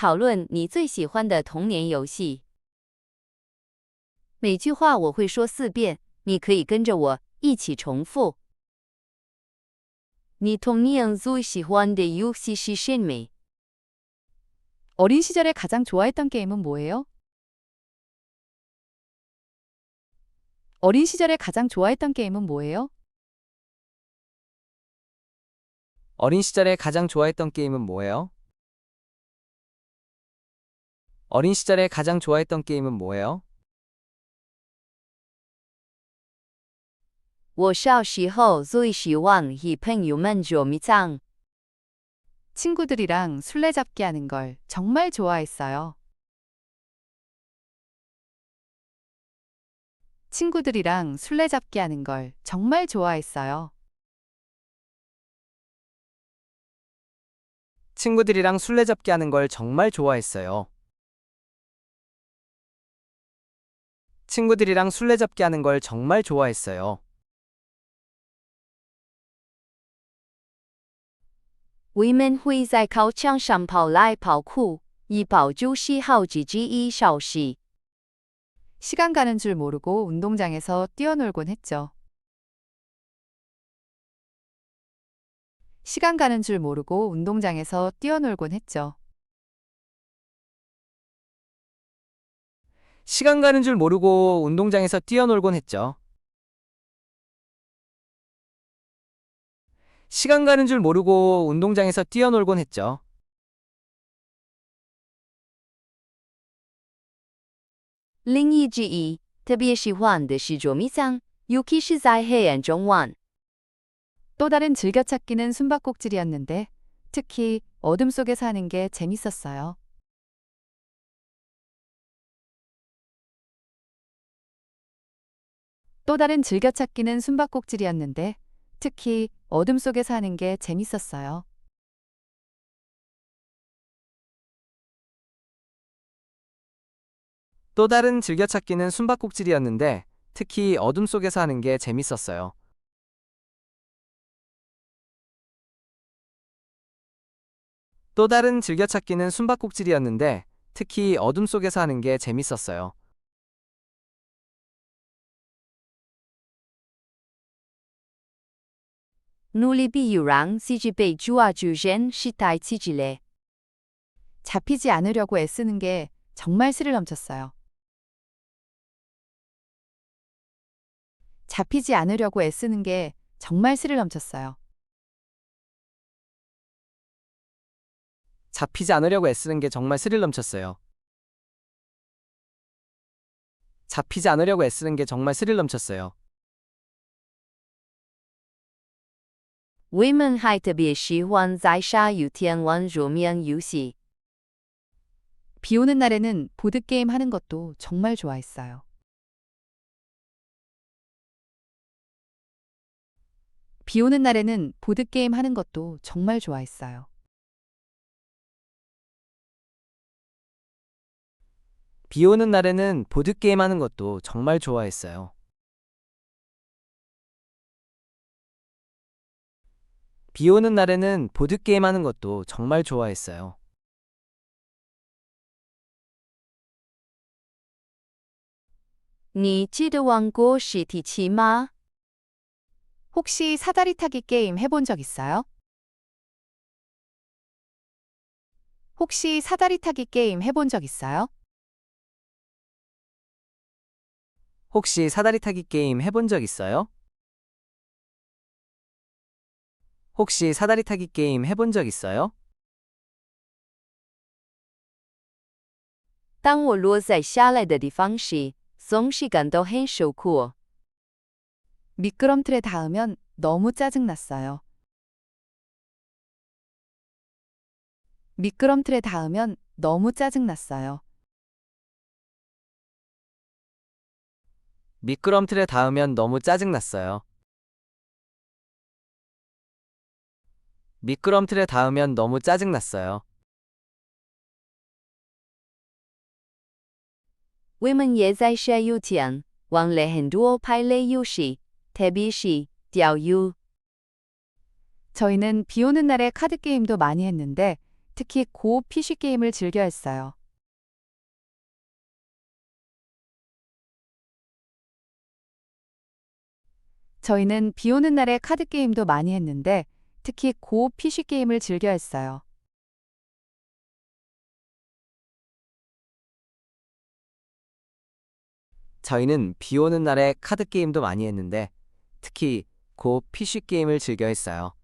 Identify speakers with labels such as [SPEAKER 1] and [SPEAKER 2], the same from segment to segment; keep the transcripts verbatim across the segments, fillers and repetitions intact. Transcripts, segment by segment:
[SPEAKER 1] 讨论你最喜欢的童年游戏。每句话我会说四遍，你可以跟着我一起重复。你童年最喜欢的游戏是什么？
[SPEAKER 2] 어린 시절에 가장 좋아했던 게임은 뭐예요? 어린 시절에 가장 좋아했던 게임은 뭐예요?
[SPEAKER 3] 어린 시절에 가장 좋아했던 게임은 뭐예요? 어린 시절에 가장 좋아했던 게임은 뭐예요?
[SPEAKER 1] 我小时候最喜欢和朋友们捉迷藏。
[SPEAKER 2] 친구들이랑 술래잡기 하는 걸 정말 좋아했어요. 친구들이랑 술래잡기 하는 걸 정말 좋아했어요.
[SPEAKER 3] 친구들이랑 술래잡기 하는 걸 정말 좋아했어요. 친구들이랑 술래잡기 하는 걸 정말 좋아했어요.
[SPEAKER 1] 我们会在考场上跑来跑去，一跑就是好几个一小时。
[SPEAKER 2] 시간 가는 줄 모르고 운동장에서 뛰어놀곤 했죠. 시간 가는 줄 모르고 운동장에서 뛰어놀곤 했죠.
[SPEAKER 3] 시간 가는 줄 모르고 운동장에서 뛰어놀곤 했죠. 시간 가는 줄 모르고 운동장에서 뛰어놀곤 했죠.
[SPEAKER 1] 另一之一，特别喜欢的是捉迷藏，尤其是在黑暗中玩。
[SPEAKER 2] 또 다른 즐겨찾기는 숨바꼭질이었는데 특히 어둠 속에서 하는 게 재밌었어요. 또 다른 즐겨찾기는 숨바꼭질이었는데 특히 어둠 속에서 하는 게 재밌었어요.
[SPEAKER 3] 또 다른 즐겨찾기는 숨바꼭질이었는데 특히 어둠 속에서 하는 게 재밌었어요. 또 다른 즐겨찾기는 숨바꼭질이었는데 특히 어둠 속에서 하는 게 재밌었어요.
[SPEAKER 1] 努力比有让自己被抓住人是太刺激了。
[SPEAKER 2] 잡히지 않으려고 애쓰는 게 정말 스릴 넘쳤어요. 잡히지 않으려고 애쓰는 게 정말 스릴 넘쳤어요.
[SPEAKER 3] 잡히지 않으려고 애쓰는 게 정말 스릴 넘쳤어요. 잡히지 않으려고 애쓰는 게 정말 스릴 넘쳤어요.
[SPEAKER 1] 我们还特别喜欢在下雨天玩桌面游戏。
[SPEAKER 2] 비 오는 날에는 보드게임 하는 것도 정말 좋아했어요. 비 오는 날에는 보드게임 하는 것도 정말 좋아했어요.
[SPEAKER 3] 비 오는 날에는 보드게임 하는 것도 정말 좋아했어요. 비 오는 날에는 보드게임 하는 것도 정말 좋아했어요.
[SPEAKER 1] 你记得玩过实体棋吗？
[SPEAKER 2] 혹시 사다리 타기 게임 해본 적 있어요? 혹시 사다리 타기 게임 해본 적 있어요?
[SPEAKER 3] 혹시 사다리 타기 게임 해본 적 있어요? 혹시 사다리 타기 게임 해본 적 있어요?
[SPEAKER 1] 当我落在下来的地方时，总是感到很受苦。
[SPEAKER 2] 미끄럼틀에 닿으면 너무 짜증났어요. 미끄럼틀에 닿으면 너무 짜증났어요.
[SPEAKER 3] 미끄럼틀에 닿으면 너무 짜증났어요. 미끄럼틀에 닿으면 너무 짜증났어요.
[SPEAKER 1] 我们也在下雨天玩了很多牌类游戏，特别是钓鱼。
[SPEAKER 2] 저희는 비 오는 날에 카드 게임도 많이 했는데 특히 고 피씨 게임을 즐겨 했어요. 저희는 비 오는 날에 카드 게임도 많이 했는데 특히 고 피씨 게임을 즐겨 했어요.
[SPEAKER 3] 저희는 비 오는 날에 카드 게임도 많이 했는데 특히 고 피씨 게임을 즐겨 했어요.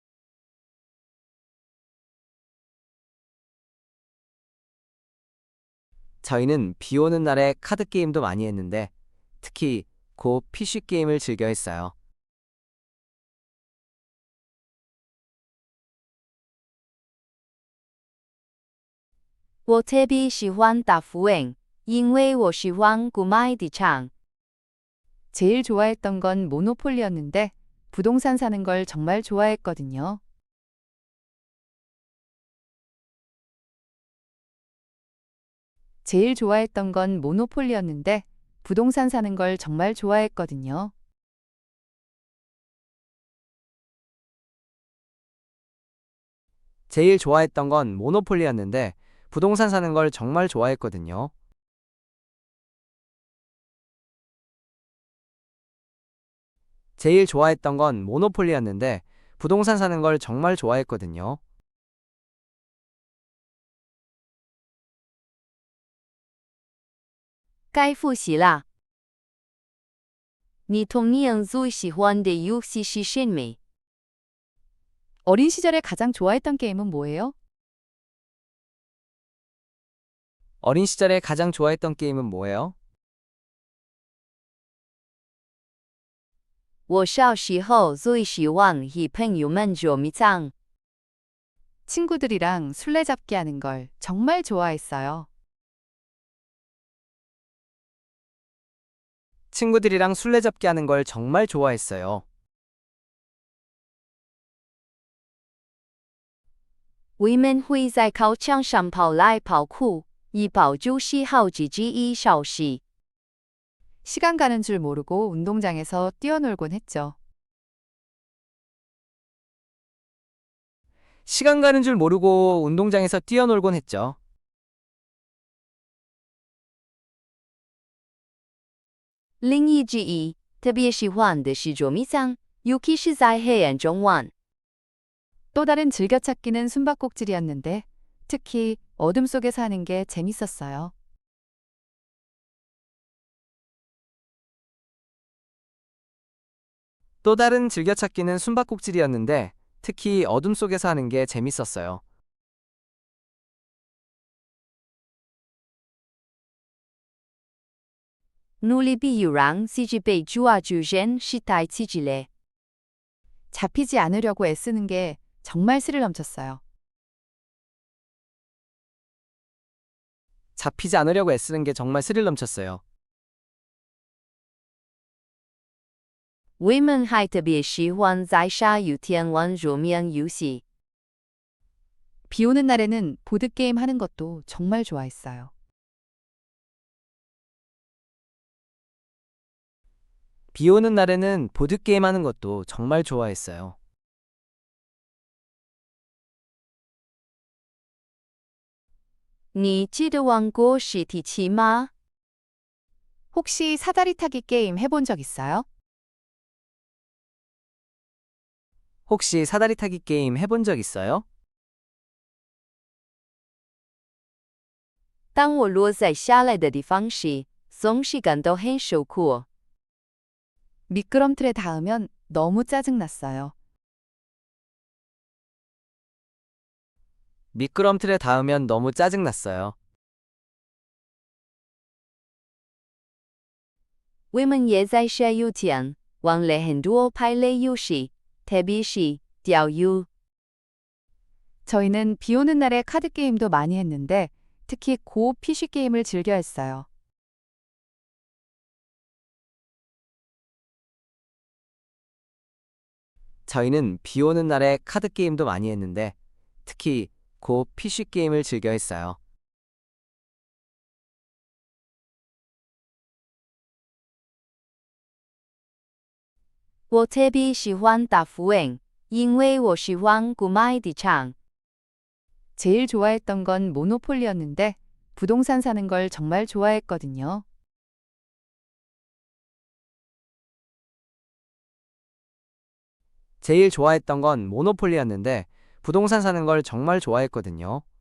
[SPEAKER 3] 저희는 비 오는 날에 카드 게임도 많이 했는데 특히 고 피씨 게임을 즐겨 했어요.
[SPEAKER 1] 我特别喜欢打符文，因为我喜欢古麦的唱。
[SPEAKER 2] 제일 좋아했던 건 모노폴리였는데 부동산 사는 걸 정말 좋아했거든요. 제일 좋아했던 건 모노폴리였는데 부동산 사는 걸 정말 좋아했거든요.
[SPEAKER 3] 제일 좋아했던 건 모노폴리였는데 부동산 사는 걸 정말 좋아했거든요. 제일 좋아했던 건 모노폴리였는데 부동산 사는 걸 정말 좋아했거든요.
[SPEAKER 1] 该复习啦。你童年最喜欢的游戏是什么？
[SPEAKER 2] 어린 시절에 가장 좋아했던 게임은 뭐예요?
[SPEAKER 3] 어린 시절에 가장 좋아했던 게임은 뭐예요?
[SPEAKER 1] 我小时候最喜欢和朋友们捉迷藏。
[SPEAKER 2] 친구들이랑 술래잡기 하는 걸 정말 좋아했어요.
[SPEAKER 3] 친구들이랑 술래잡기 하는 걸 정말 좋아했어요.
[SPEAKER 1] 我们会在考场上跑来跑去，以保住喜好自己一小时。
[SPEAKER 2] 시간 가는 줄 모르고 운동장에서 뛰어놀곤 했죠.
[SPEAKER 3] 시간 가는 줄 모르고 운동장에서 뛰어놀곤 했죠.
[SPEAKER 1] 另一之一，特别喜欢的是捉迷藏，尤其是在黑暗中玩。
[SPEAKER 2] 또 다른 즐겨찾기는 숨바꼭질이었는데 특히 어둠 속에서 하는 게 재밌었어요.
[SPEAKER 3] 또 다른 즐겨찾기는 숨바꼭질이었는데 특히 어둠 속에서 하는 게 재밌었어요.
[SPEAKER 1] 努力比有让自己被抓住人是太刺激了。
[SPEAKER 2] 잡히지 않으려고 애쓰는 게 정말 스릴 넘쳤어요.
[SPEAKER 3] 잡히지 않으려고 애쓰는 게 정말 스릴 넘쳤어요.
[SPEAKER 1] 我们还特别喜欢在下雨天玩桌面游戏。
[SPEAKER 2] 비 오는 날에는 보드게임 하는 것도 정말 좋아했어요.
[SPEAKER 3] 비 오는 날에는 보드게임 하는 것도 정말 좋아했어요.
[SPEAKER 1] 你记得玩过实体棋吗？
[SPEAKER 2] 혹시 사다리 타기 게임 해본 적 있어요?
[SPEAKER 3] 혹시 사다리 타기 게임 해본 적 있어요?
[SPEAKER 1] 当我落在下来的地方时，总是感到很受苦。
[SPEAKER 2] 미끄럼틀에 닿으면 너무 짜증났어요.
[SPEAKER 3] 미끄럼틀에 닿으면 너무 짜증났어요.
[SPEAKER 1] 我们也在下雨天玩了很多牌类游戏，特别是钓鱼。
[SPEAKER 2] 저희는 비 오는 날에 카드 게임도 많이 했는데 특히 고 피씨 게임을 즐겨 했어요.
[SPEAKER 3] 저희는 비 오는 날에 카드 게임도 많이 했는데 특히 고 피씨 게임을 즐겨 했어요.
[SPEAKER 1] 我特别喜欢打符文，因为我喜欢古麦的唱。
[SPEAKER 2] 제일 좋아했던 건 모노폴리였는데 부동산 사는 걸 정말 좋아했거든요.
[SPEAKER 3] 제일 좋아했던 건 모노폴리였는데 부동산 사는 걸 정말 좋아했거든요.